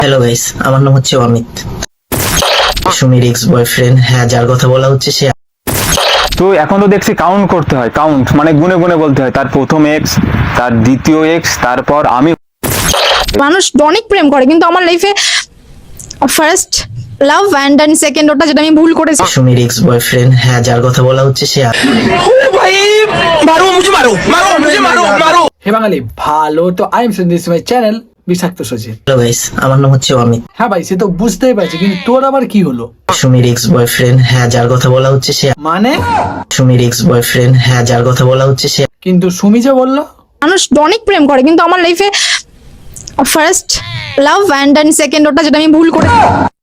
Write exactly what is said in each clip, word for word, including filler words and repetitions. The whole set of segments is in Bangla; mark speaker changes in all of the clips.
Speaker 1: হ্যালো গাইস, আমার নাম হচ্ছে অমিত। সুমির এক্স বয়ফ্রেন্ড, হ্যাঁ, যার কথা বলা হচ্ছে সে।
Speaker 2: তো এখন তো দেখছি কাউন্ট করতে হয়, কাউন্ট মানে গুনে গুনে বলতে হয়, তার প্রথম এক্স, তার দ্বিতীয় এক্স, তারপর আমি।
Speaker 3: মানুষ অনেক প্রেম করে, কিন্তু আমার লাইফে first love and then second ওটা যেটা আমি ভুল করেছি।
Speaker 1: সুমির এক্স বয়ফ্রেন্ড, হ্যাঁ, যার কথা বলা হচ্ছে সে।
Speaker 4: হে বাঙালি, ভালো তো I am this my channel বিষাক্ত সচিন।
Speaker 1: হ্যালো গাইস, আমার নাম হচ্ছে অমিত।
Speaker 4: হ্যাঁ ভাই, সে তো বুঝতেই পারছি, কিন্তু তোর আবার কি হলো?
Speaker 1: সুমির এক্স বয়ফ্রেন্ড, হ্যাঁ, যার কথা বলা হচ্ছে সে।
Speaker 4: মানে
Speaker 1: সুমির এক্স বয়ফ্রেন্ড, হ্যাঁ, যার কথা বলা হচ্ছে সে।
Speaker 4: কিন্তু সুমি যে বললো।
Speaker 3: মানুষ অনেক প্রেম করে, কিন্তু আমার লাইফে first love and then second ওটা যেটা আমি ভুল করেছি।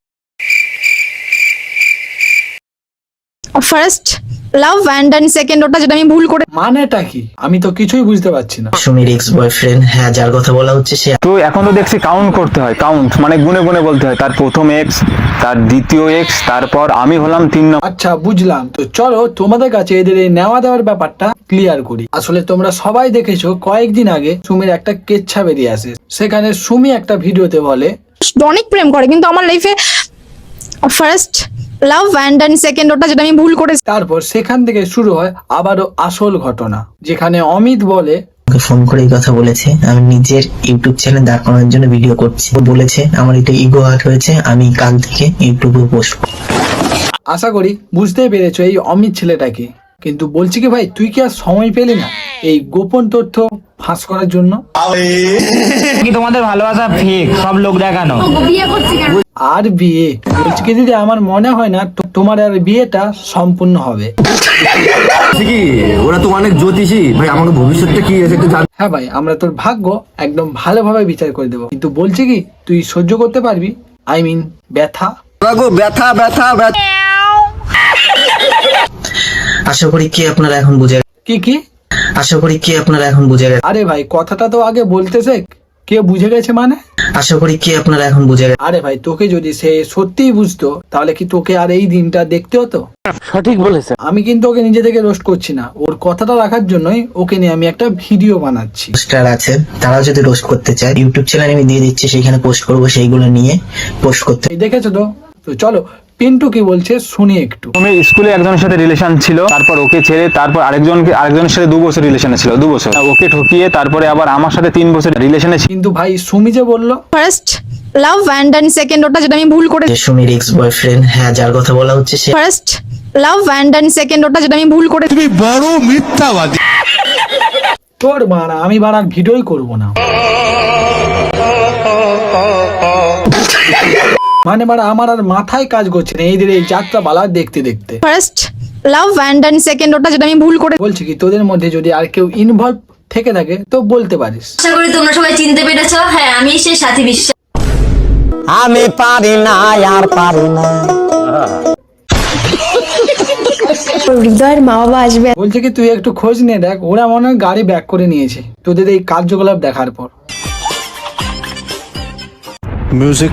Speaker 3: First love and then second ওটা যেটা আমি ভুল করে।
Speaker 4: মানেটা কি? আমি তো কিছুই বুঝতে পারছি না।
Speaker 1: সুমির এক্স বয়ফ্রেন্ড, হ্যাঁ, যার কথা বলা হচ্ছে সে।
Speaker 2: তো এখন তো দেখছি কাউন্ট করতে হয়, কাউন্ট মানে গুনে গুনে বলতে হয়, তার প্রথম এক্স, তার দ্বিতীয় এক্স, তারপর আমি হলাম তিন নম্বর।
Speaker 4: আচ্ছা, বুঝলাম। তো চলো তোমাদের কাছে এদের এই নেওয়া দেওয়ার ব্যাপারটা ক্লিয়ার করি। আসলে তোমরা সবাই দেখেছো, কয়েকদিন আগে সুমির একটা কেচ্ছা বেরিয়ে আসে। সেখানে সুমি একটা ভিডিওতে বলে
Speaker 3: অনেক প্রেম করে, কিন্তু আমার লাইফে first love and then second ওটা যেটা আমি ভুল করেছি।
Speaker 4: তারপর সেখান থেকে শুরু হয় আবারও আসল ঘটনা, যেখানে অমিত বলে
Speaker 1: আমাকে ফোন করে এই কথা বলেছে, আমি নিজের ইউটিউব চ্যানেল দাঁড় করানোর জন্য ভিডিও করছি। ও বলেছে আমার এটা ইগো হার্ট হয়েছে, আমি কাল থেকে ইউটিউবে পোস্ট করব।
Speaker 4: আশা করি বুঝতেই পেরেছো এই অমিত ছেলেটাকে। কিন্তু বলছি কি ভাই, তুই কি আর সময় পেলি না এই গোপন তথ্য ফাঁস করার জন্য?
Speaker 5: কি তোমাদের ভালোবাসা ফেক, সব লোক দেখানো?
Speaker 4: আর বিয়ে বলছি কি দিদি, আমার মনে হয় না তো- তোমার আর বিয়েটা সম্পূর্ণ হবে।
Speaker 6: কি ওরা তো অনেক জ্যোতিষী ভাই, আমাকে ভবিষ্যৎটা কি আছে একটু জান।
Speaker 4: হ্যাঁ ভাই, আমরা তোর ভাগ্য একদম ভালোভাবে বিচার করে দেবো, কিন্তু বলছি কি তুই সহ্য করতে পারবি? আই মিন ব্যথা।
Speaker 6: ওরা গো ব্যথা ব্যথা ব্যথা।
Speaker 1: আশা করি কি আপনারা এখন বুঝে
Speaker 4: কি কি?
Speaker 1: আশা করি কি আপনারা এখন বুঝে গেছেন
Speaker 4: আরে ভাই, কথাটা তো আগে বলতে শেখ। কে বুঝে গেছে মানে?
Speaker 1: আশা করি কি আপনারা এখন বুঝে গেছেন
Speaker 4: আরে ভাই, তোকে যদি সে সত্যিই বুঝতো, তাহলে কি তোকে আর এই দিনটা দেখতে হতো?
Speaker 2: সঠিক বলেছে।
Speaker 4: আমি কিন্তু ওকে নিজে থেকে রোস্ট করছি না, ওর কথাটা রাখার জন্যই ওকে নিয়ে আমি একটা ভিডিও বানাচ্ছি।
Speaker 1: পোস্টার আছে, তারা যদি রোস্ট করতে চায় ইউটিউব চ্যানেল আমি দিয়ে দিচ্ছি, সেখানে পোস্ট করবো, সেইগুলো নিয়ে পোস্ট করতে।
Speaker 4: এই দেখেছো তো? তো চলো পিন্টু কি বলছে শুনি একটু।
Speaker 2: তুমি স্কুলে একজনের সাথে রিলেশন ছিল, তারপর ওকে ছেড়ে তারপর আরেকজনকে আরেকজনের সাথে দু বছর রিলেশনে ছিল, দু বছর ওকে ঠকিয়ে তারপরে আবার আমার সাথে তিন বছর রিলেশনে ছিল।
Speaker 4: কিন্তু ভাই সুমি যে বললো
Speaker 3: first love and then second ওটা যেটা আমি ভুল করেছি।
Speaker 1: যে সুমির এক্স বয়ফ্রেন্ড, হ্যাঁ, যার কথা বলা হচ্ছে সে।
Speaker 3: First love and then second ওটা যেটা আমি ভুল করেছি।
Speaker 4: তোর বাড়া, আমি বাড়ার ভিডিওই করবো না। মানে বাড়া, আমার আর মাথায় কাজ করছে না এইদের এই যাত্রা বালা দেখতে দেখতে।
Speaker 3: First love and then second ওটা যেটা আমি ভুল করেছি।
Speaker 4: বলছি কি, তোদের মধ্যে যদি আর কেউ ইনভলভ থেকে থাকে তো বলতে পারিস।
Speaker 7: আশা করি তোমরা সবাই চিনতে পেরেছো। হ্যাঁ, আমি সেই সাথী বিশ্বাস।
Speaker 5: আমি পারি না, আর পারি না।
Speaker 3: হৃদয়ের মা বাবা আসবে।
Speaker 4: বলছে কি তুই একটু খোঁজ নিয়ে দেখ, ওরা মনে হয় গাড়ি ব্যাক করে নিয়েছে তোদের এই কার্যকলাপ দেখার পর।
Speaker 6: মিউজিক।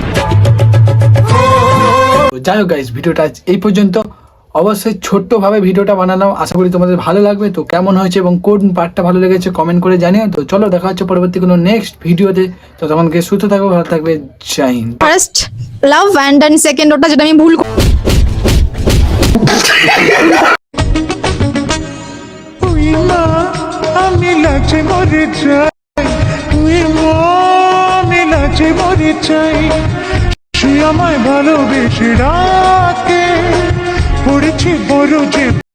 Speaker 4: তো যাই হোক গাইস, ভিডিওটা আজ এই পর্যন্ত। অবশ্যই ছোট্ট ভাবে ভিডিওটা বানালাম, আশা করি তোমাদের ভালো লাগবে। তো কেমন হয়েছে এবং কোন পার্টটা ভালো লেগেছে কমেন্ট করে জানিও। তো চলো দেখা হচ্ছে পরবর্তী কোনো নেক্সট ভিডিওতে। তো তখনকে সুস্থ থাকবে, ভালো থাকবে, জয় Hind.
Speaker 3: First love and then second ওটা যেটা আমি ভুল করেছি।
Speaker 8: তুই মা আমি লাচে মরে যাই, তুই মা আমি লাচে মরে যাই, সে আমায় ভালোবেসে রাখে, পড়েছি বড় যে